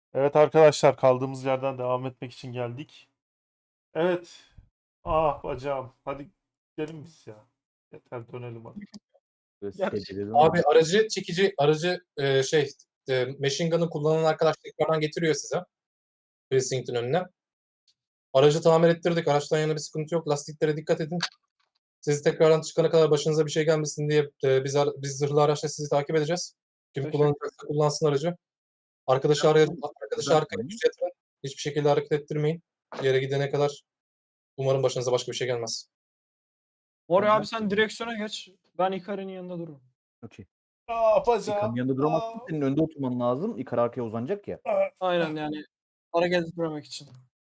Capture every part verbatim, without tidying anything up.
Evet arkadaşlar, kaldığımız yerden devam etmek için geldik. Evet. Ah bacağım. Hadi gidelim biz ya. Yeter, dönelim hadi. Böyle Gerçi secdeledim Abi ama. aracı çekici, aracı e, şey e, machine gun'ı kullanan arkadaş tekrardan getiriyor size. Precinct'in önüne. Aracı tamir ettirdik. Araçtan yana bir sıkıntı yok. Lastiklere dikkat edin. Siz tekrardan çıkana kadar başınıza bir şey gelmesin diye e, biz, ara- biz zırhlı araçla sizi takip edeceğiz. Kim Teşekkür kullanacaksa kullansın aracı. Arkadaşı, araya, arkadaşı arkaya Uzatmayın. düz yatırın. Hiçbir şekilde hareket ettirmeyin. Yere gidene kadar umarım başınıza başka bir şey gelmez. Mori Tamam. abi sen direksiyona geç. Ben Ikari'nin yanında dururum. Okey. Ah İlkan'ın bacağım. yanında duramazsın. Ah. Senin önde oturman lazım. İlkan arkaya uzanacak ya. Ah. Aynen yani hareket etmemek için.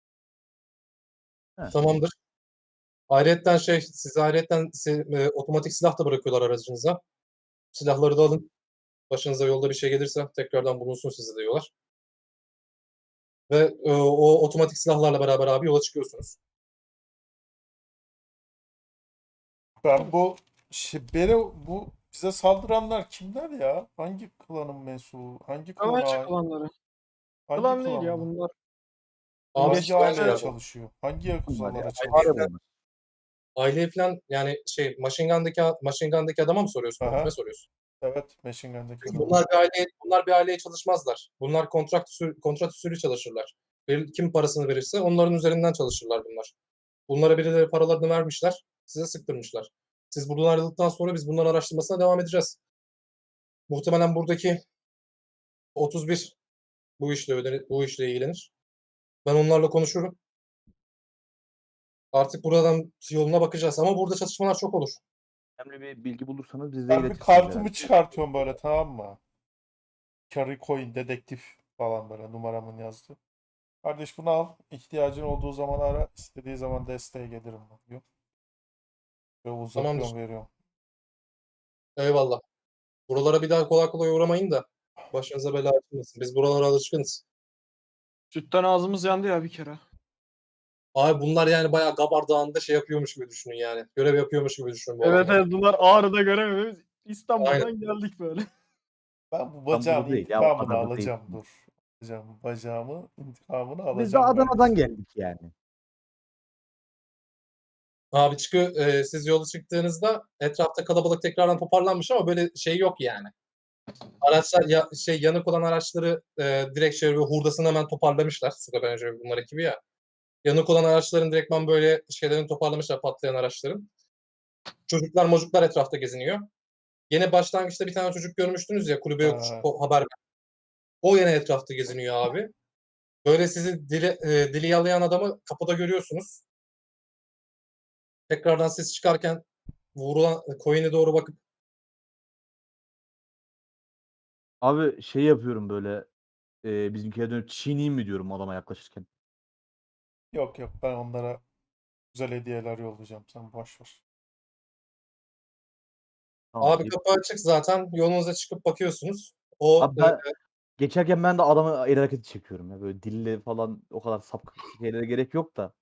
He. Tamamdır. Ayrıyetten şey, size ayrıyetten si- e, otomatik silah da bırakıyorlar aracınıza. Silahları da alın. Başınıza yolda bir şey gelirse tekrardan bulunsun size diyorlar. Ve e, o otomatik silahlarla beraber abi yola çıkıyorsunuz. Ben bu şey, beni bu bize saldıranlar kimler ya? Hangi klanın mensubu? Hangi klana Ömerci ait? klanları. Hangi Klan değil ya klan bu? bunlar. Abi Hangi Geçti aileye süperler. çalışıyor? Hangi Bunlar ya. yakuzalara Fare çalışıyor? bunlar. Aile falan yani şey Machine Gun'daki, Machine Gun'daki adama mı soruyorsun? Aha. Kime soruyorsun? Evet, Machine Gun'daki adamı. Bunlar bir aile, bunlar bir aileye çalışmazlar. Bunlar kontrat usulü, kontrat usulü çalışırlar. Bir- Kim parasını verirse onların üzerinden çalışırlar bunlar. Bunlara birileri paralarını vermişler, size sıktırmışlar. Siz buradan ayrıldıktan sonra biz bunların araştırmasına devam edeceğiz. Muhtemelen buradaki otuz bir bu işle ödenir, bu işle ilgilenir. Ben onlarla konuşurum. Artık buradan yoluna bakacağız ama burada çatışmalar çok olur. Önemli bir bilgi bulursanız bize Ben bir iletirsiniz herhalde. kartımı çıkartıyorum böyle, tamam mı? Carry Coin dedektif falan, böyle numaramın yazdı. Kardeş bunu al. İhtiyacın olduğu zaman ara. İstediği zaman desteğe gelirim diyor. Ve Tamamdır. uzatıyorum, veriyorum. Eyvallah. Buralara bir daha kolay kolay uğramayın da başınıza bela açılmasın. Biz buralara alışkınız. Sütten ağzımız yandı ya bir kere. Abi bunlar yani bayağı Gabar Dağı'nda şey yapıyormuş gibi düşünün yani. Görev yapıyormuş gibi düşünün bu Evet adamlar. evet bunlar Ağrı'da göremiyoruz. Aynen. İstanbul'dan geldik böyle. Ben bu Tam bacağın burada değil ya. O intikamını kadar da değil. alacağım, dur. Alacağım bacağımı, intikamını Biz de alacağım Adana'dan kardeşim. geldik yani. Abi çıkıyor, e, siz yola çıktığınızda etrafta kalabalık tekrardan toparlanmış ama böyle şey yok yani. Araçlar ya, şey yanık olan araçları e, direkt şey böyle hurdasını hemen toparlamışlar. Suda bence bunlar ekibi ya. Yanık olan araçların direktman böyle şeylerini toparlamışlar, patlayan araçların. Çocuklar mocuklar etrafta geziniyor. Yine başlangıçta bir tane çocuk görmüştünüz ya kulübe yokuş Ha, o haber. O yine etrafta geziniyor abi. Böyle sizi dili, e, dili yalayan adamı kapıda görüyorsunuz. Tekrardan siz çıkarken vurulan coin'e doğru bakıp Abi şey yapıyorum böyle. E, bizimkiye dönüp çiğneyim mi diyorum adama yaklaşırken. yok yok, ben onlara güzel hediyeler yollayacağım. Sen boş ver. Tamam abi deyip. kapı açık zaten yolunuza çıkıp bakıyorsunuz. O Abi e, ben geçerken ben de adamı el hareketi çekiyorum ya. Böyle dille falan o kadar sapkın şeylere gerek yok da.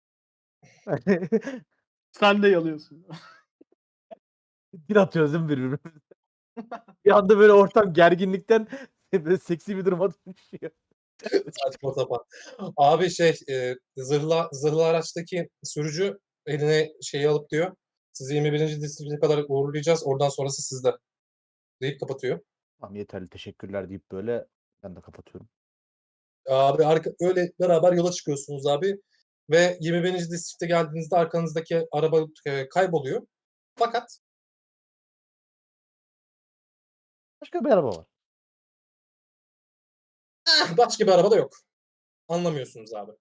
Sen de yalıyorsun. Bir atıyoruz değil mi birbirimize? Bir anda böyle ortam gerginlikten böyle seksi bir duruma dönüşüyor. saçma sapan. Abi şey e, zırhlı, zırhlı araçtaki sürücü eline şeyi alıp diyor. Sizi yirmi birinci distrikte kadar uğurlayacağız. Oradan sonrası sizde. Deyip kapatıyor. Tamam yeterli teşekkürler deyip böyle ben de kapatıyorum. Abi arka, öyle beraber yola çıkıyorsunuz abi. Ve yirmi birinci distrikte geldiğinizde arkanızdaki araba e, kayboluyor. Fakat Başka bir araba var. eh, başka bir araba da yok. Anlamıyorsunuz abi.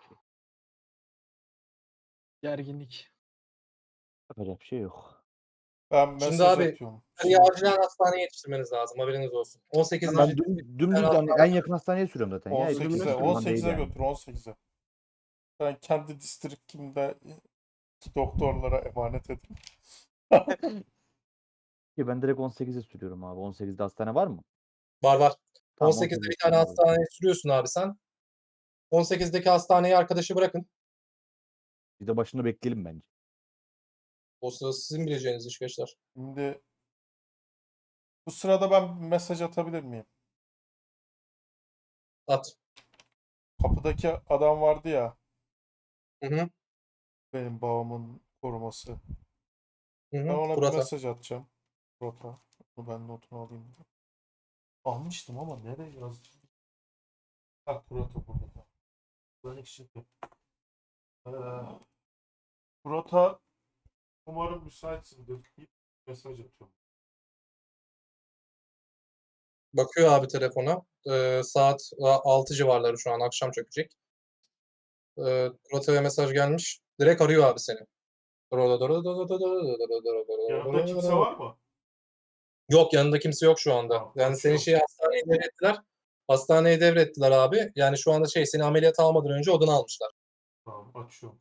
Gerginlik. Yapacak bir şey yok. Ben Şimdi mesaj abi atıyorum. hani Şey, acilen hastaneye yetiştirmeniz lazım. Haberiniz olsun. on sekizinci Ben düm, tane dümdüz hani en hastane. yakın hastaneye sürüyorum zaten ya. Hiç Ölümüne on sekize sürüyor. uğraştırmadan değil on sekize yani. götür, on sekize. Ben kendi distriktimde ki doktorlara emanet edeyim. Ki ben direkt on sekize sürüyorum abi. on sekizde hastane var mı? Var var. Tamam on sekizde on sekizde bir tane sürüyorum abi. hastaneye sürüyorsun abi sen. on sekizdeki hastaneye arkadaşı bırakın. Bir de başında bekleyelim bence. O sırada sizin bileceğiniz iş gençler. Şimdi bu sırada ben bir mesaj atabilir miyim? At. Kapıdaki adam vardı ya. Hı hı. Benim babamın koruması. Hı Ben hı. ona bir Kurata. mesaj atacağım. Rota. Bunu ben notunu alayım. Almıştım ama nereye yazdım? Ha, Kurata burada. Ben ekşittim. Ee, Kurata, umarım müsaitsindir. Bir mesaj atıyorum. Bakıyor abi telefona. Ee, saat altı civarları şu an. Akşam çökecek. Ee, Kurata'ya mesaj gelmiş. Direkt arıyor abi seni. Yanında kimse var mı? Yok, yanında kimse yok şu anda. Tamam, Yani seni açıyorum. şey hastaneye devrettiler. Hastaneye devrettiler abi. Yani şu anda şey seni ameliyata almadan önce odana almışlar. Tamam, açıyorum.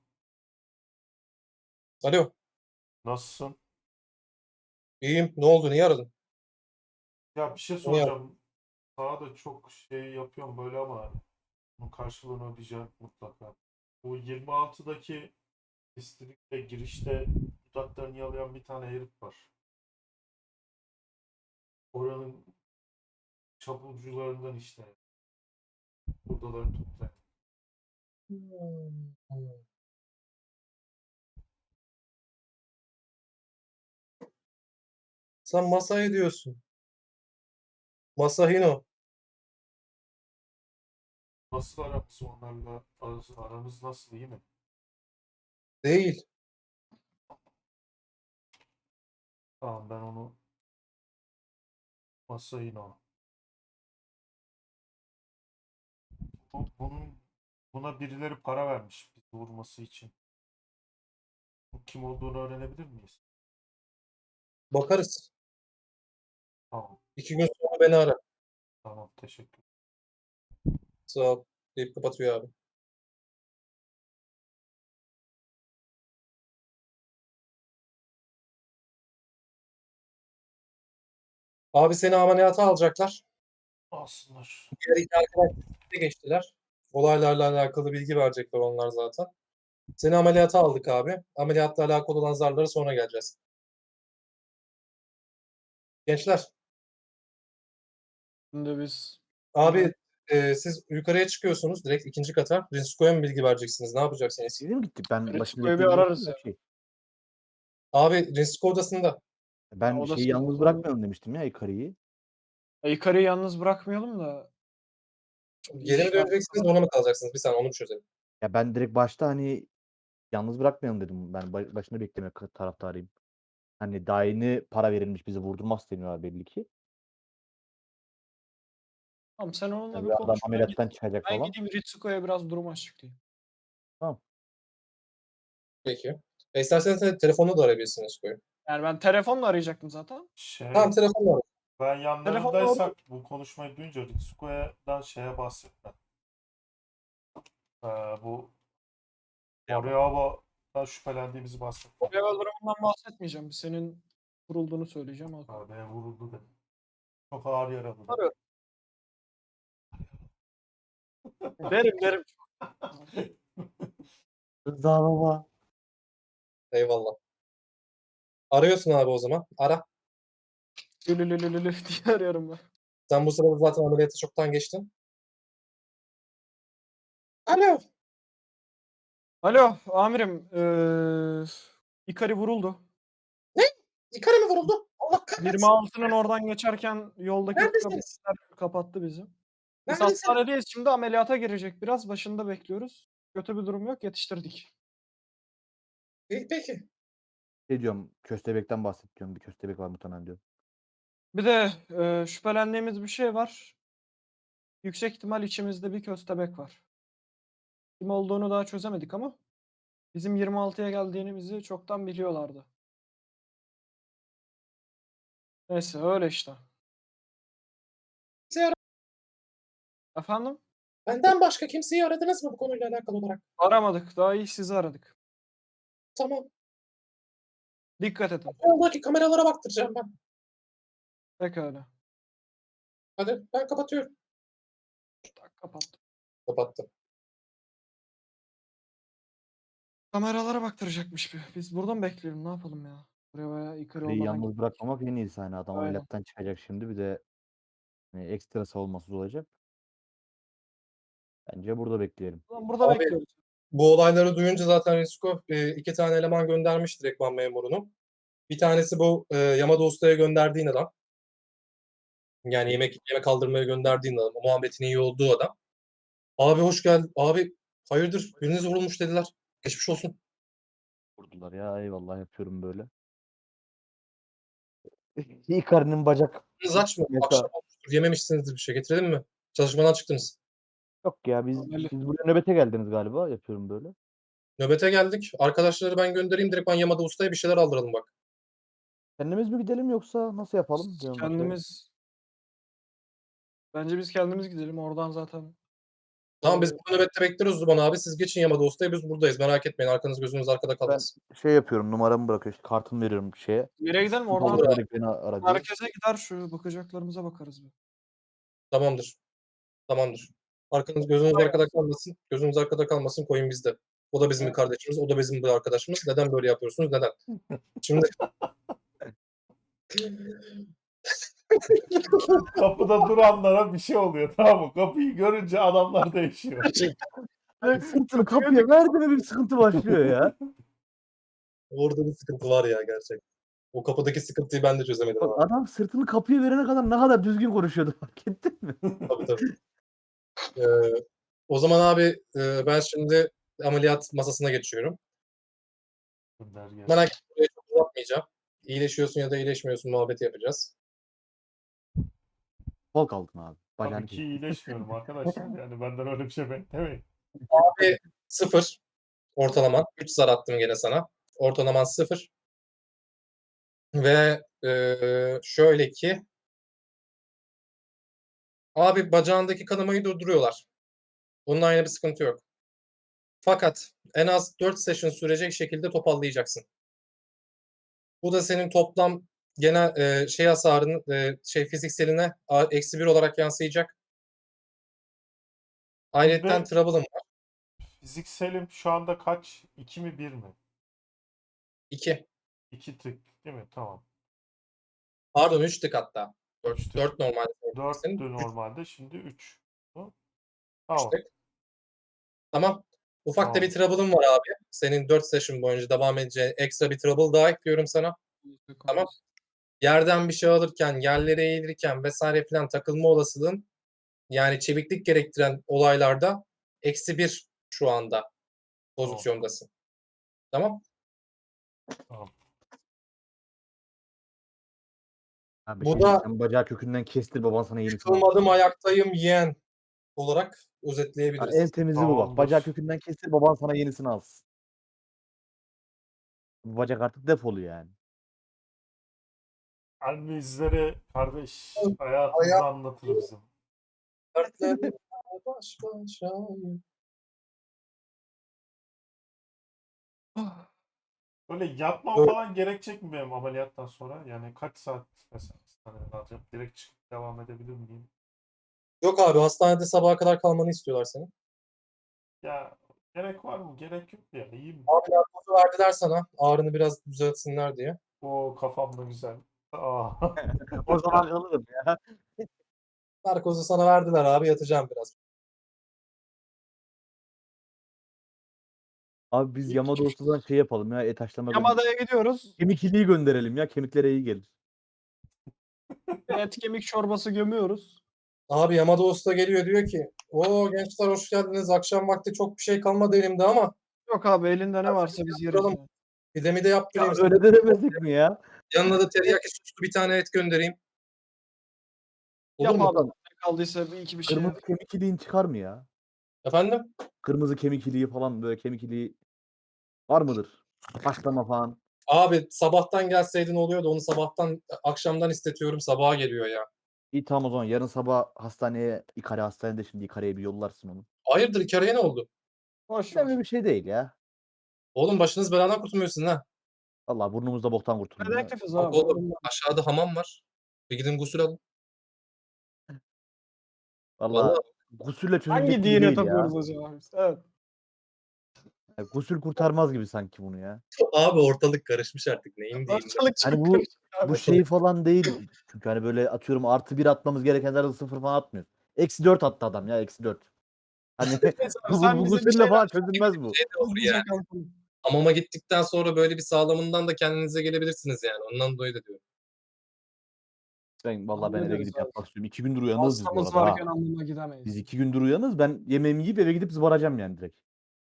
Alo. Nasılsın? İyiyim. Ne oldu? Niye aradın? Ya bir şey Niye aradın? soracağım. Sana da çok şey yapıyorum böyle ama bunun karşılığını ödeyeceğim mutlaka. Bu yirmi altıdaki distrikte girişte dudaklarını yalayan bir tane herif var. Oranın çapulcularından işte. Buradaları toplayan. Sen Masai diyorsun. Masahino. Nasıl aramız onlarla? Aramız, aramız nasıl, iyi mi? Değil. Tamam, ben onu Masahino. Bu, bunun, buna birileri para vermiş bizi vurması için. Bu kim olduğunu öğrenebilir miyiz? Bakarız. Tamam, İki gün sonra beni ara. tamam, teşekkür. Sağ ol. Deyip kapatıyor abi. Abi seni ameliyata alacaklar. Alsınlar. Diğer iki arkadaş de geçtiler. Olaylarla alakalı bilgi verecekler onlar zaten. Seni ameliyata aldık abi. Ameliyatla alakalı olan zarlara sonra geleceğiz. Gençler, Şimdi biz abi e, siz yukarıya çıkıyorsunuz direkt ikinci kata. Rinsko'ya mı bilgi vereceksiniz? Ne yapacaksınız? Siz mi gittik? Ben başını Ritsuko'yu bir bekleyebilirim ararız ya. ya. Şey. Abi Rinsko odasında. Ben O da şeyi sizin yalnız odada. bırakmayalım demiştim ya Ikari'yi. E, yukarıyı yalnız bırakmayalım da. Geri mi İş var. döneceksiniz ona mı kalacaksınız? Bir saniye onu bir çözelim. Ya ben direkt başta hani yalnız bırakmayalım dedim. Ben ba- başında beklemek taraftarıyım. Hani daha yeni para verilmiş bizi vurdurmaz deniyor belli ki. Tamam, sen onunla Yani bir bir adam konuş. Ben, gid ameliyattan çıkacak ben falan. gideyim Ritsuko'ya biraz durum açıklayayım. Tamam. Peki. E, isterseniz de telefonla da arayabilirsiniz Rinsko'yu. Yani ben telefonla arayacaktım zaten. Tamam Şey, telefonla arayın. ben Telefonla orada. yanlarındaysak bu konuşmayı duyunca Ritsuko'dan şeye bahsetme. Ee, bu Moriyaba'dan şüphelendiğimizi bahsetme. Level durumundan bahsetmeyeceğim. Senin vurulduğunu söyleyeceğim. O kadar. Abi vuruldu dedim. Çok ağır yaralı dedim. Arıyorum. Derim derim. Rıza baba. Eyvallah. Arıyorsun abi o zaman. Ara. Lülülülülülü diye arıyorum ben. Sen bu sırada zaten ameliyatı çoktan geçtin. Alo. Alo amirim. Ee, Ikari vuruldu. Ne? İkara mı vuruldu? Allah kahretsin. yirmi altının oradan geçerken yoldaki Neredesiniz? polisler kapattı bizi. Biz Neredesiniz? hastanedeyiz, şimdi ameliyata girecek biraz. Başında bekliyoruz. Kötü bir durum yok, yetiştirdik. İyi, peki. Şey diyorum köstebekten bahset diyorum. Bir köstebek var muhtemelen diyorum. Bir de e, şüphelendiğimiz bir şey var. Yüksek ihtimal içimizde bir köstebek var. Kim olduğunu daha çözemedik ama bizim yirmi altıya geldiğimizi çoktan biliyorlardı. Neyse öyle işte. Kimseyi ara- Efendim? Benden başka kimseyi aradınız mı bu konuyla alakalı olarak? Aramadık. Daha iyi sizi aradık. Tamam. Dikkat edin. Yoldaki kameralara baktıracağım ben. Pekala. Hadi ben kapatıyorum. Tak, kapattım. Kapattım. Kameralara baktıracakmış bir. Biz burada mı bekleyelim? Ne yapalım ya? Buraya bayağı yukarı Kari'yi olmadan yalnız gittik. bırakmamak en iyisi. Hani adam Aynen. ameliyattan çıkacak şimdi bir de hani ekstra savunmasız olacak. Bence burada bekleyelim. O zaman burada Abi bekliyoruz. bu olayları duyunca zaten Risko e, iki tane eleman göndermiş direktman memurunu. Bir tanesi bu e, Yamada Usta'ya gönderdiğin adam. Yani yemek yemek kaldırmaya gönderdiğin adam. Muhabbetin iyi olduğu adam. Abi hoş geldin. Abi hayırdır biriniz vurulmuş dediler. Geçmiş olsun. Vurdular ya eyvallah yapıyorum böyle. Icardi'nin bacak Biriniz aç mı? Mesela- Akşam olmuştur. Yememişsinizdir bir şey. Getirelim mi? Çalışmadan çıktınız. yok ya biz Ameli. siz buraya nöbete geldiniz galiba yapıyorum böyle. Nöbete geldik. Arkadaşları ben göndereyim. Direkt ben Yamada Usta'ya bir şeyler aldıralım bak. Kendimiz mi gidelim yoksa nasıl yapalım? diyorum başka. Kendimiz Bence biz kendimiz gidelim. Oradan zaten Tamam biz Ee, burada nöbette bekleriz Zuban abi. Siz geçin Yamada Usta'ya biz buradayız. Merak etmeyin. Arkanız gözünüz arkada Ben kalmasın. şey yapıyorum numaramı bırakıyor işte kartımı veriyorum şeye. nereye gidelim? Oradan Oradan Olur abi. direkt beni ara diyor. merkeze gider şu bakacaklarımıza bakarız bir. Tamamdır. Tamamdır. Arkanız gözünüz arkada kalmasın. Gözünüz arkada kalmasın. Koyun bizde. O da bizim bir kardeşimiz. O da bizim bir arkadaşımız. Neden böyle yapıyorsunuz? Neden? Şimdi Kapıda duranlara bir şey oluyor, tamam mı? Kapıyı görünce adamlar değişiyor. Sırtını kapıya verdi mi bir sıkıntı başlıyor ya. orada bir sıkıntı var ya gerçekten. O kapıdaki sıkıntıyı ben de çözemedim Bak abi. adam sırtını kapıya verene kadar ne kadar düzgün konuşuyordu fark ettin mi? Tabii tabii. Ee, o zaman abi e, ben şimdi ameliyat masasına geçiyorum. Gönder gelsin. Merak etme burayı çok uzatmayacağım. İyileşiyorsun ya da iyileşmiyorsun muhabbeti yapacağız. Kol kaldın abi. Bacağını Tabii ki kes. iyileşmiyorum arkadaşlar. Yani benden öyle bir şey beklemeyin. Abi sıfır ortalaman. üç zar attım gene sana. Ortalaman sıfır. Ve e, şöyle ki abi bacağındaki kanamayı durduruyorlar. Bununla aynı bir sıkıntı yok. Fakat en az dört session sürecek şekilde toparlayacaksın. Bu da senin toplam genel e, şey hasarının e, şey fizikseline a- eksi bir olarak yansıyacak. Ayrıca Şimdi- trouble'ım var. Fizikselim şu anda kaç? iki mi bir mi? iki. iki tık değil mi? Tamam. Pardon üç tık hatta. Üç tık. dört normal. Senin dörttü normalde, şimdi üç. üç Tamam. tık. Tamam. Ufak da Tamam. bir trouble'ım var abi. Senin dört session boyunca devam edeceğin ekstra bir trouble daha ekliyorum sana. Tamam. Yerden bir şey alırken, yerlere eğilirken vesaire filan takılma olasılığın yani çeviklik gerektiren olaylarda eksi bir şu anda pozisyondasın. Tamam. Abi Bu şey, da- sen bacağı kökünden kestir baban sana yenisini alır. Yıkılmadım ayaktayım yeğen olarak Ha, özetleyebiliriz. en temizi bu bak. Tamamdır. Bacağı kökünden kestir baban sana yenisini alsın. Bu bacak artık defolu yani. Anne izleri kardeş hayatımızı Hayat- anlatır bizim. Dertlerimle baş başayım. Böyle yatmam Öyle. falan gerekecek mi benim ameliyattan sonra? Yani kaç saat mesela hastaneden alacağım? Direkt çıkıp devam edebilir miyim? Yok abi hastanede sabaha kadar kalmanı istiyorlar senin. Ya gerek var mı? Gerek yok ya. İyiyim. Abi narkozu verdiler sana ağrını biraz düzeltsinler diye. O kafamda güzel. Aa. O zaman alırım ya. Narkozu sana verdiler abi yatacağım biraz. Abi biz Yamada Usta'dan şey yapalım ya et haşlama gönderelim. Yamada'ya gidiyoruz. Kemik iliği gönderelim ya kemiklere iyi gelir. Et kemik çorbası gömüyoruz. Abi Yamada Usta geliyor diyor ki o gençler hoş geldiniz akşam vakti çok bir şey kalmadı elimde ama Yok abi elinde ne varsa biz yeriz. Yaptıralım. yani. pidemi de Ya yaptırayım. sana. öyle de demesek mi ya? Yanına da teriyaki soslu bir tane et göndereyim. Olur Yap mu? abi. Ne kaldıysa bir iki bir şey. Kırmızı kemik iliğin çıkar mı ya? Efendim? Kırmızı kemik iliği falan böyle kemik iliği var mıdır? Haşlama falan. Abi sabahtan gelseydin oluyordu onu sabahtan akşamdan istetiyorum sabaha geliyor ya. İyi tamam o zaman yarın sabah hastaneye İkare hastanede şimdi İkare'ye bir yollarsın onu. Hayırdır İkare'ye ne oldu? Boş Öyle ver. bir şey değil ya. Oğlum başınız beladan kurtulmuyorsun ha. Vallahi burnumuzda boktan kurtulmuyor. Dedektifiz Bak abi. oğlum ondan. aşağıda hamam var. Bir gidin gusül alın. Vallahi Vallahi. gusülle çözülecek Hangi gibi dine değil ya. tapıyoruz acaba biz? Evet. Yani gusül kurtarmaz gibi sanki bunu ya. Abi ortalık karışmış artık neyin diyeyim. Ortalık Hani çok bu- karışık abi. Bu şey falan değil. Çünkü hani böyle atıyorum artı bir atmamız gerekenlerde sıfır falan atmıyor. Eksi dört attı adam ya eksi dört. Hani Neyse abi, Google sen Google bize bir seninle şeyler falan çözülmez bu. Şey de olur hızlıca yani. kalkalım. Hamama gittikten sonra böyle bir sağlamından da kendinize gelebilirsiniz yani. Ondan dolayı da diyorum. Ben vallahi ben eve Hallederiz gidip abi. yapmak istiyorum. iki gündür uyanığız biz bu Hastamız arada ha. varken hamama gidemeyiz. Biz iki gündür uyanığız. Ben yemeğimi yiyip eve gidip zıbaracağım yani direkt.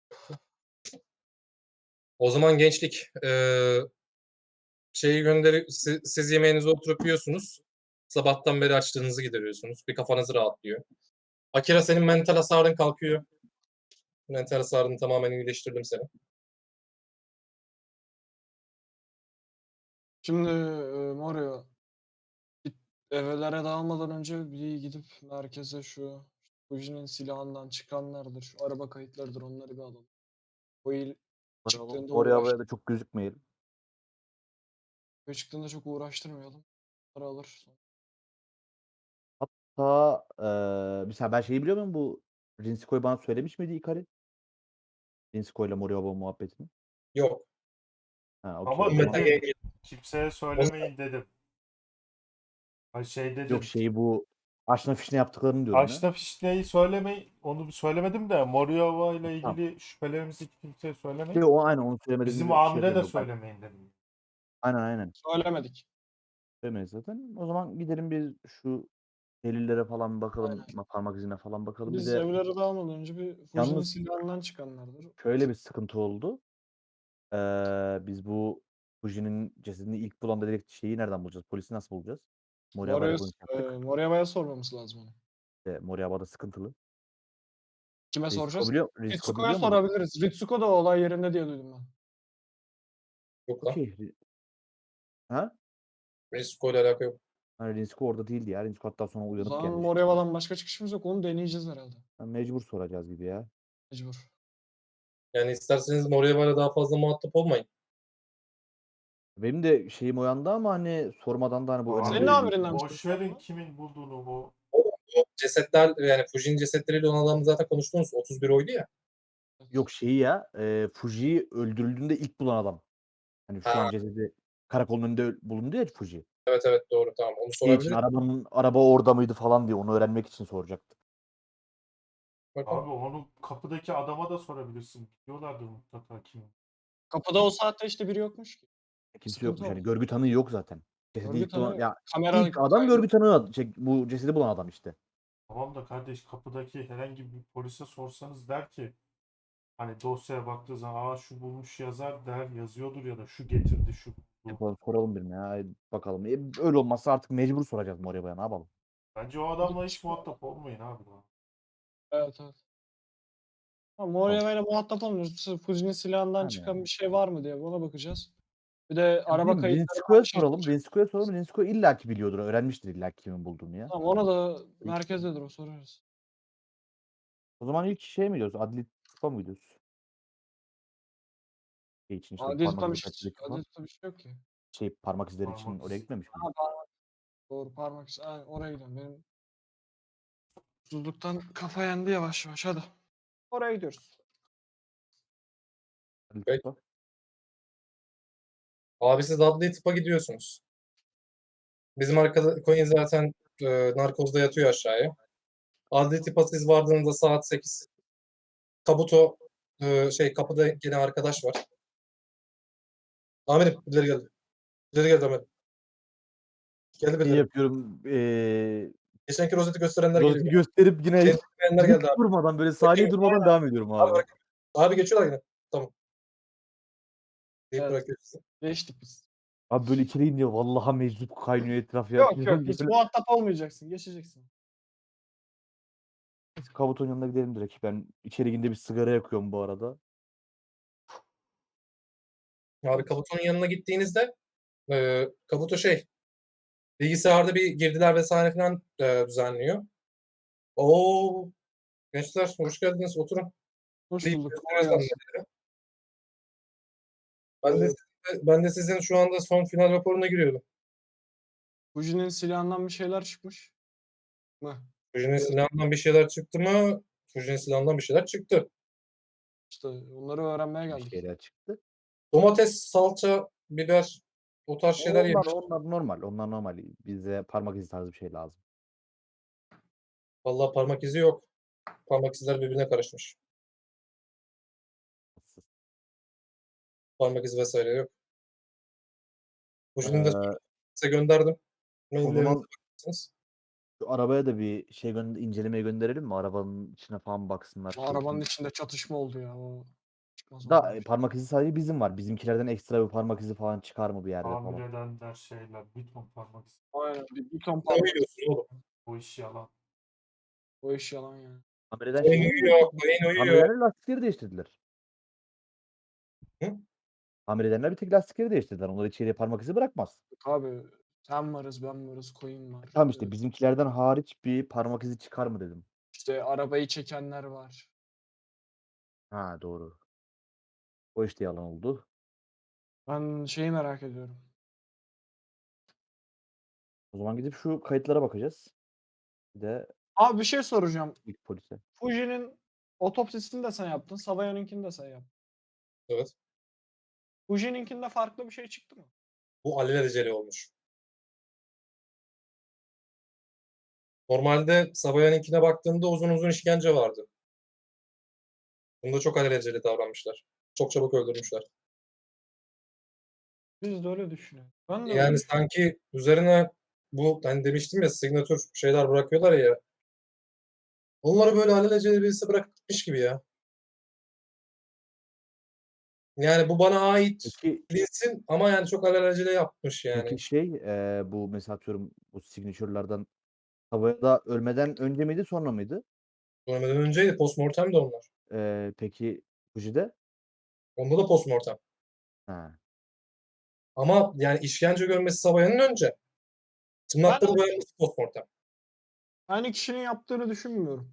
O zaman gençlik eee şeyi gönderi si siz yemeğinize oturup yiyorsunuz. Sabahtan beri açlığınızı gideriyorsunuz. Bir kafanız rahatlıyor. Akira senin mental hasarın kalkıyor. Mental hasarını tamamen iyileştirdim seni. Şimdi e, Mario git- evlere dağılmadan önce bir gidip merkeze şu Fuji'nin silahından çıkanlardır, şu araba kayıtlarıdır onları bir alalım. O il çıktığında Oraya uğraş, havaya da çok gözükmeyelim. o çıktığında çok uğraştırmayalım. Onları alır. Hatta eee mesela ben şeyi biliyor muyum bu Rinskoy bana söylemiş miydi Ikari? Rinskoy'la Moriyama muhabbetini. Yok. Ha okey Ama o zaman dedim Meta'ya kimseye söylemeyin dedim. Ay şey yok dedim. şeyi bu aşna fişne yaptıklarını diyorum ya. Aşna fişneyi söylemeyin. Onu bir söylemedim de Moriyava ile Tamam. ilgili şüphelerimizi kimseye söylemeyin. Şey, o aynen onu Bizim söylemediğini şey amire de yapıyorum ben. söylemeyin dedim. Aynen aynen. Söylemedik. Söylemeyiz zaten. O zaman gidelim biz şu delillere falan bir bakalım. Aynen. Parmak izine falan bakalım. Bir Biz de evlere dağılmadan önce bir Fuji'nin yalnız silahından çıkanlardır. şöyle bir sıkıntı oldu. Eee, biz bu Fuji'nin cesedini ilk bulan dedektif şeyi nereden bulacağız? Polisi nasıl bulacağız? Moriyaba'yla Morio'ya konuşup e, yaptık. Moriyama'ya sormamız lazım onu. İşte Moriyaba'da sıkıntılı. Kime Rinsko soracağız? biliyor, Rinsko Ritsuko'ya biliyor mu? sorabiliriz. Ritsuko da olay yerinde diye duydum ben. Yok lan. Okey. Ri- Ha? Meksiko ile alaka yok. Hani Rinsko orada değildi ya. Rinsko hatta sonra O uyanıp zaman gelmişti. Moriyama'dan başka çıkışımız yok. Onu deneyeceğiz herhalde. Ha, mecbur soracağız gibi ya. Mecbur. Yani isterseniz Moriyama'yla daha fazla muhatap olmayın. Benim de şeyim o yanda ama hani sormadan da hani bu Abi Senin önemli bir amirinden bir boş ses var verin mı? kimin bulduğunu bu. O, o cesetler yani Fuji'nin cesetleriyle olan adamı zaten konuştunuz. otuz bir oydu ya. yok şeyi ya. E, Fuji öldürüldüğünde ilk bulan adam. Hani şu an Ha, cesedi karakolun önünde öl- bulundu ya Fuji. evet evet doğru tamam. Onu Şey için sorabiliriz. arabanın araba orada mıydı falan diye onu öğrenmek için soracaktı. Bakalım. Abi onu kapıdaki adama da sorabilirsin. Biliyorlardır mutlaka kim. Kapıda o saatte işte biri yokmuş ki. Kimse Sıkıntı yokmuş. o. Hani görgü tanığı yok zaten. Cesedi Görgü ilk bulan tanığı ya kamera ilk adam kaydı. görgü tanığı şey, bu cesedi bulan adam işte. Tamam da kardeş kapıdaki herhangi bir polise sorsanız der ki hani dosyaya baktığı zaman aa şu bulmuş yazar der yazıyordur ya da şu getirdi şu buldu. Yapalım, soralım birine ya. Bakalım. E, öyle olmazsa artık mecbur soracağız Moriyaba'ya ne yapalım. Bence o adamla hiç muhatap olmayın abi. Daha. Evet evet. Ha, Bakalım. Moriyama ile muhatap olmuyoruz. Sırf Fuji'nin silahından Yani. çıkan bir şey var mı diye ona bakacağız. Bir de Ya araba bilmiyorum, kayıtlarından Rinsko'ya bir şey soralım. soracağız. Rinsko'ya soralım. Rinsko illaki biliyordur. Öğrenmiştir illaki kimin bulduğunu ya. Tamam ona da İlk- merkezdedir o sorarız. O zaman ilk şey mi gidiyoruz? Adli tıpa mı gidiyoruz? Şey için işte bu Adil parmak Sultan bir izi şey, kaçırdık Adil falan. Sultan bir şey yok ki. Şey parmak izleri için Parmak oraya izi. gitmemiş Ha, miydik? parmak, doğru parmak izi. Aynen, oraya gidiyorum. Benim susuzluktan kafa yendi yavaş yavaş hadi. Oraya gidiyoruz. Adli Peki. tıpa. Abi siz adli tıpa gidiyorsunuz. Bizim arkada coin zaten e, narkozda yatıyor aşağıya. Adli tıpa siz vardığınızda saat sekiz. Kabuto e, şey kapıda gene arkadaş var. Amirim ileri geldi. İleri geldi amirim. Geldi Şey birileri. yapıyorum. Eee Geçenki rozeti gösterenler geliyor. rozeti gösterip yine Geçenki gösterenler hiç geldi abi. durmadan böyle saniye durmadan devam ediyorum Abi, abi. bırak. Abi geçiyorlar yine. Tamam. Deyip Evet. bırakıyoruz. Geçtik biz. Abi böyle içeri ince vallahi meczup kaynıyor etraf ya. Yok yok hiç Böyle muhatap olmayacaksın. Geçeceksin. Kabuto'nun yanına gidelim direkt. Ben içeri gidince bir sigara yakıyorum bu arada. Abi Kabuto'nun yanına gittiğinizde e, Kabuto şey bilgisayarda bir girdiler vesaire falan e, düzenliyor. Oo gençler hoş geldiniz oturun. Hoş Deyip bulduk. gösteriyor Kolay gelsin. zannediyor. Ben de, ben de sizin şu anda son final raporuna giriyordum. Fuji'nin silahından bir şeyler çıkmış mı? Fuji'nin Evet. silahından bir şeyler çıktı mı? Fuji'nin silahından bir şeyler çıktı. İşte onları öğrenmeye Bir geldik. şeyler çıktı. Domates, salça, biber o tarz şeyler Onlar, yemiş. onlar normal. Onlar normal. Bize parmak izi tarzı bir şey lazım. Vallahi parmak izi yok. Parmak izleri birbirine karışmış. Parmak izi vesaire yok. Fujinin de Eee, size gönderdim. o Maillerinize zaman bakarsınız. şu arabaya da bir şey gönder incelemeye gönderelim mi? Arabanın içine falan baksınlar. Şu Şu arabanın in içinde çatışma oldu ya. O çıkmaz da oradan. e, parmak izi sadece bizim var. Bizimkilerden ekstra bir parmak izi falan çıkar mı bir yerde Tamir falan? edenler şeyler. Bir ton parmak izi. Aynen. Bir, bir ton Ne parmak. uyuyorsun oğlum? Bu iş yalan. O iş yalan yani. Tamir eden Koyun şeyleri uyuyor, koyun tamir uyuyor. edenler lastikleri değiştirdiler. Hı? Tamir edenler bir tek lastikleri değiştirdiler. Onlar içeriye parmak izi bırakmaz. Abi sen varız ben varız koyun var. Tamam Ee, işte bizimkilerden hariç bir parmak izi çıkar mı dedim. İşte arabayı çekenler var. Ha doğru. O işte yalan oldu. Ben şeyi merak ediyorum. O zaman gidip şu kayıtlara bakacağız. Bir de Abi bir şey soracağım. ilk polise. Fuji'nin otopsisini de sen yaptın. Savayan'ınkini de sen yaptın. Evet. Fuji'ninkinde farklı bir şey çıktı mı? Bu alelacele olmuş. Normalde Sabayan'ınkine baktığımda uzun uzun işkence vardı. Bunda çok alelacele davranmışlar. Çok çabuk öldürmüşler. Biz de öyle düşünüyoruz. Ben de öyle Yani düşünüyorum. sanki üzerine bu hani demiştim ya signatür şeyler bırakıyorlar ya. Onları böyle alelacele birisi bırakıp gitmiş gibi ya. Yani bu bana ait Peki bilinsin ama yani çok alelacele yapmış yani. peki şey eee, bu mesela atıyorum bu signature'lardan havada ölmeden önce miydi sonra mıydı? Ölmeden önceydi. Postmortem de onlar. Eee, peki Fuji'de? Onda da postmortem. Ha. Ama yani işkence görmesi Sabayan'ın önce. Ben Tırnakları boyanması postmortem. aynı kişinin yaptığını düşünmüyorum.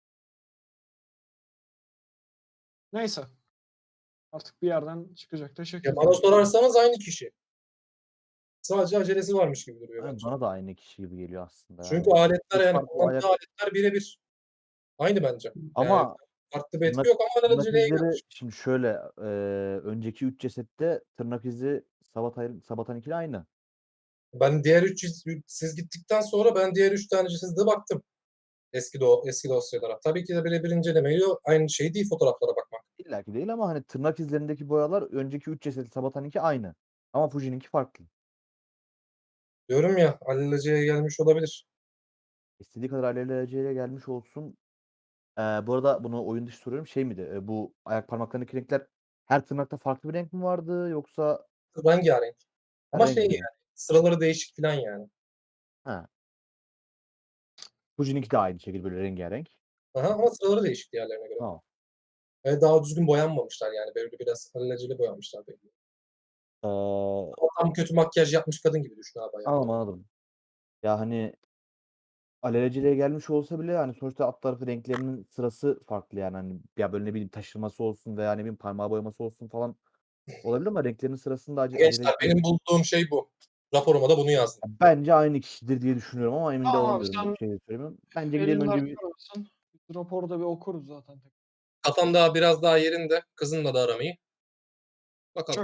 Neyse. Artık bir yerden çıkacak da Ya şekil bana yani. sorarsanız aynı kişi. Sadece acelesi varmış gibi duruyor Ha, bence. bana da aynı kişi gibi geliyor aslında Çünkü yani. aletler Bir yani farklı kullandığı ayak aletler birebir. Aynı bence. Yani ama farklı bir etki tırnak yok ama tırnak alelaceleye izleri gelmiş. şimdi şöyle eee, önceki üç cesette tırnak izi Sabatay Sabatan'ınkiyle aynı. Ben diğer üç siz siz gittikten sonra ben diğer üç tane de baktım. Eski do eski dosyalara. Tabii ki de birebir incelemeyle aynı şey değil fotoğraflara bakmak. İlla ki değil ama hani tırnak izlerindeki boyalar önceki üç ceset Sabatan'ınki aynı. Ama Fuji'ninki farklı. Diyorum ya alelacele gelmiş olabilir. İstediği kadar alelacele gelmiş olsun. Eee, bu arada bunu oyun dışı soruyorum. Şey miydi? Eee, bu ayak parmaklarındaki renkler her tırnakta farklı bir renk mi vardı yoksa Rengarenk. her Ama renk şey bir renk? yani sıraları değişik filan yani. Ha. Fuji'ninki de aynı şekilde böyle rengarenk. Aha, ama sıraları değişik diğerlerine göre. Tamam. Ve daha düzgün boyanmamışlar yani. Böyle biraz alelacele boyamışlar belli. Eee, Ama tam kötü makyaj yapmış kadın gibi düşün abi anladım, ayakları. anladım. Ya hani alelacele gelmiş olsa bile hani sonuçta alt tarafı renklerinin sırası farklı yani hani ya böyle ne bileyim taşırması olsun veya ne bileyim parmağı boyaması olsun falan olabilir ama renklerinin sırasında ace Gençler aceleci benim bulduğum şey bu. Raporuma da bunu yazdım. bence aynı kişidir diye düşünüyorum ama emin de Tamam abi olamıyorum. Net sen bir şey de söylemiyorum. Bence gidelim elin önce bir arkasın. Biz raporu da bir okuruz zaten. Kafam daha biraz daha yerinde. Kızımla da aramayı. Bakalım. Çok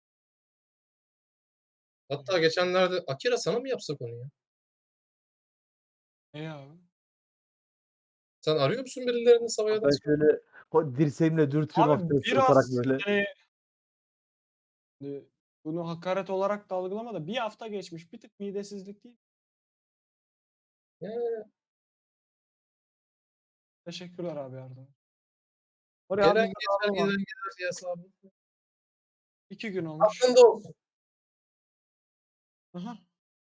Hatta geçenlerde Akira sana mı yapsak onu ya? iyi abi. Sen arıyor musun birilerini Sabayadan ben sonra? şöyle o dirseğimle dürtüyorum Abi hafiften sırıtarak biraz böyle. hani e, bunu hakaret olarak da algılama da bir hafta geçmiş. Bir tık midesizlik değil. Ya, Teşekkürler abi yardım. Oraya gelen harbiden geçer ağrı var. gelen gider ya hesabı. İki gün olmuş. Aklında olsun. Aha.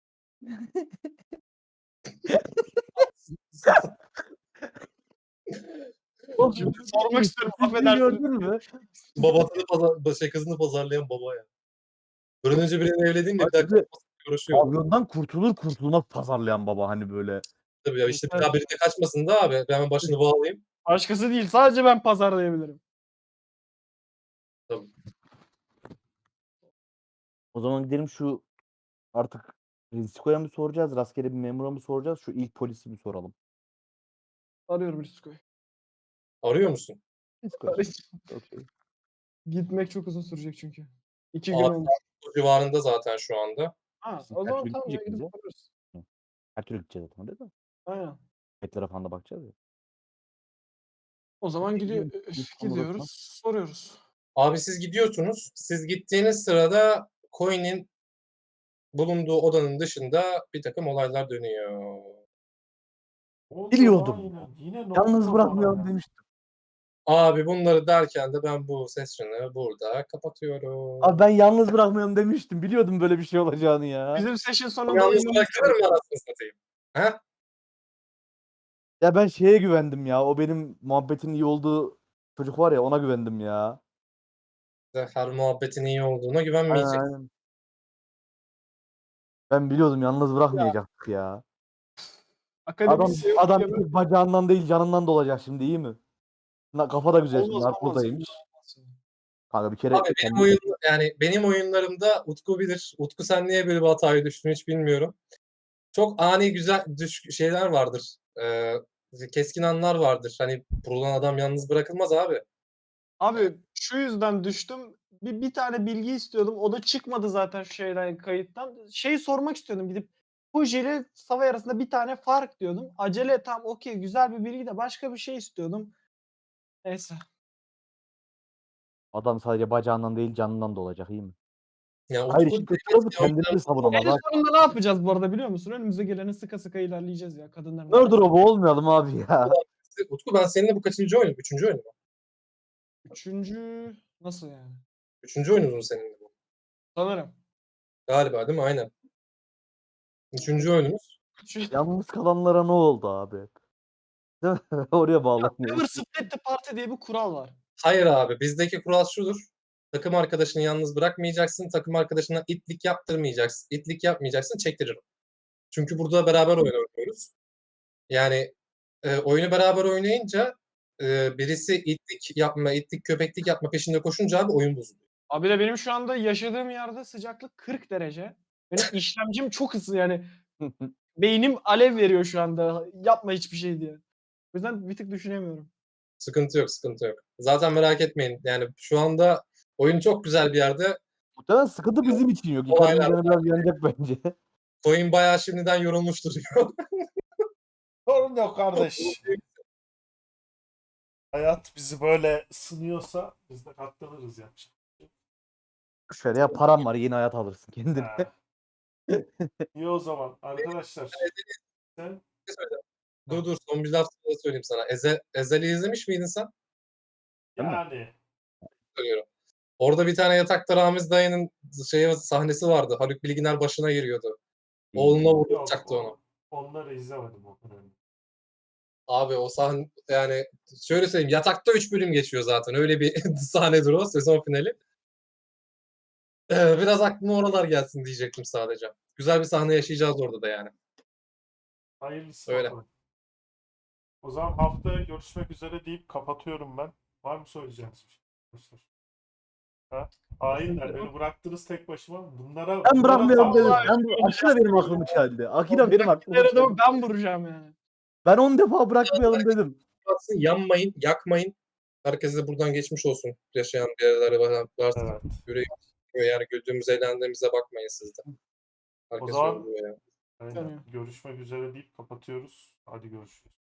O Şimdi sormak istiyorum. pisliği Affedersin. gördün mü? Babasını pazar şey kızını pazarlayan baba ya. Bir an önce birini evleneyim de bir Bak daha bir de kaçmasın diye uğraşıyor. pavyondan kurtulur kurtulmaz pazarlayan baba hani böyle. Tabii ya işte bir daha biri de kaçmasın da abi. Ben hemen başını bağlayayım. Başkası değil. Sadece ben pazarlayabilirim. Tabii. O zaman gidelim şu artık Riziko'ya mı soracağız? Rastgele bir memura mı soracağız? Şu ilk polisi mi soralım? Arıyorum Risko'yu. Arıyor musun? Riziko'ya sor. Okey. Gitmek çok uzun sürecek çünkü. İki gün Abi olmuş. o civarında zaten şu anda. Ha, Biz o her zaman türlü tamam ya gitmeyecek miyiz gidip ya? bakarız. Hı. Her türlü gideceğiz zaten değil mi? Aynen. Kayıtlara falan da bakacağız ya. O zaman gidiyor, Gidiyorum, İstanbul gidiyoruz, odasına. soruyoruz. Abi siz gidiyorsunuz. Siz gittiğiniz sırada coin'in bulunduğu odanın dışında bir takım olaylar dönüyor. Ne oluyor Biliyordum. lan yine? Yine ne Yalnız oluyor bırakmayalım bana ya? demiştim. Abi bunları derken de ben bu sesini burada kapatıyorum. Abi ben yalnız bırakmayalım demiştim. Biliyordum böyle bir şey olacağını ya. Bizim session sonunda Yalnız yayınlamışlar. bırakılır mı anasını satayım? He? Ya ben şeye güvendim ya. O benim muhabbetin iyi olduğu çocuk var ya, ona güvendim ya. Her muhabbetin iyi olduğuna Aynen güvenmeyecek. aynen. Ben biliyordum yalnız bırakmayacaktık ya. Adam Akademisi yok adam diye bir böyle- tek bacağından değil canından dolacak şimdi, iyi mi? Na- Kafa da güzel şimdi. Olmaz olmaz. Narkozdaymış. Kanka bir kere Abi benim kendi- oyun yani benim oyunlarımda Utku bilir. Utku sen niye böyle bir hataya düştün hiç bilmiyorum. Çok ani güzel düş şeyler vardır. Ee, keskin anlar vardır. Hani vurulan adam yalnız bırakılmaz abi. Abi şu yüzden düştüm. Bir, bir tane bilgi istiyordum. O da çıkmadı zaten şeyden, kayıttan. Şey sormak istiyordum gidip. Fuji ile Savay arasında bir tane fark diyordum. Acele tam okey güzel bir bilgi de başka bir şey istiyordum. Neyse. Adam sadece bacağından değil canından dolacak, iyi mi? Yani Hayır, Utku işin kötü tarafı kendini savunamaz. En Bak, sonunda ne yapacağız bu arada biliyor musun? Önümüze geleni sıka sıka ilerleyeceğiz ya kadınların. Murderobo olmayalım abi ya. Utku ben seninle bu kaçıncı oyun? Üçüncü oyun mu? Üçüncü nasıl yani? Üçüncü oyunumuz mu seninle bu? Sanırım. Galiba değil mi? Aynen. Üçüncü oyunumuz. Şu Yalnız kalanlara ne oldu abi? Değil mi? Oraya bağlanıyor. Never Split the Party diye bir kural var. Hayır abi bizdeki kural şudur. Takım arkadaşını yalnız bırakmayacaksın. Takım arkadaşına itlik yaptırmayacaksın. İtlik yapmayacaksın çektiririm. Çünkü burada beraber oyun oynuyoruz. Yani e, oyunu beraber oynayınca e, birisi itlik yapma, itlik köpeklik yapma peşinde koşunca abi oyun bozuluyor. Abi de benim şu anda yaşadığım yerde sıcaklık kırk derece. Benim işlemcim çok hızlı yani. Beynim alev veriyor şu anda. Yapma hiçbir şey diye. O yüzden bir tık düşünemiyorum. Sıkıntı yok, sıkıntı yok. Zaten merak etmeyin. Yani şu anda oyun çok güzel bir yerde. Muhtemelen sıkıntı bizim için yok. Olaylar Icardi'nin canı biraz yanacak bence. Coin bayağı şimdiden yorulmuş duruyor. Sorun yok kardeş. Hayat bizi böyle sınıyorsa biz de katlanırız yapacak. Şöyle ya, param var, yeni hayat alırsın kendine. Ha. İyi o zaman arkadaşlar. Sen Dur dur son bir laf daha söyleyeyim sana. Eze, Ezel'i izlemiş miydin sen? Değil mi? yani Söylüyorum. Orada bir tane yatakta Ramiz dayının şey sahnesi vardı. Haluk Bilginer başına giriyordu. Oğluna yok vuracaktı o, onu. onları izlemedim o kadarını. Abi o sahne yani şöyle söyleyeyim yatakta üç bölüm geçiyor zaten. Öyle bir sahnedir o sezon finali. Ee, biraz aklıma oralar gelsin diyecektim sadece. Güzel bir sahne yaşayacağız orada da yani. Hayırlısı Öyle. bakalım. O zaman haftaya görüşmek üzere deyip kapatıyorum ben. Var mı söyleyeceğiniz bir şey arkadaşlar? Ha? Hainler beni bıraktınız tek başıma. Bunlara Ben bunlara bırakmayalım dedim. tam- Ben, Akı da benim aklımı çeldi. Akı da benim aklımı Her çeldi. adamı ben vuracağım yani. Ben on defa bırakmayalım dedim. Batsın, yanmayın, yakmayın. Herkese de buradan geçmiş olsun. Yaşayan bir yerlere var- varsa Evet. yüreği yani güldüğümüz eğlendiğimize bakmayın siz de. O Herkes zaman yoruluyor yani. aynen. Tanıyor. Görüşmek üzere deyip kapatıyoruz. Hadi görüşürüz.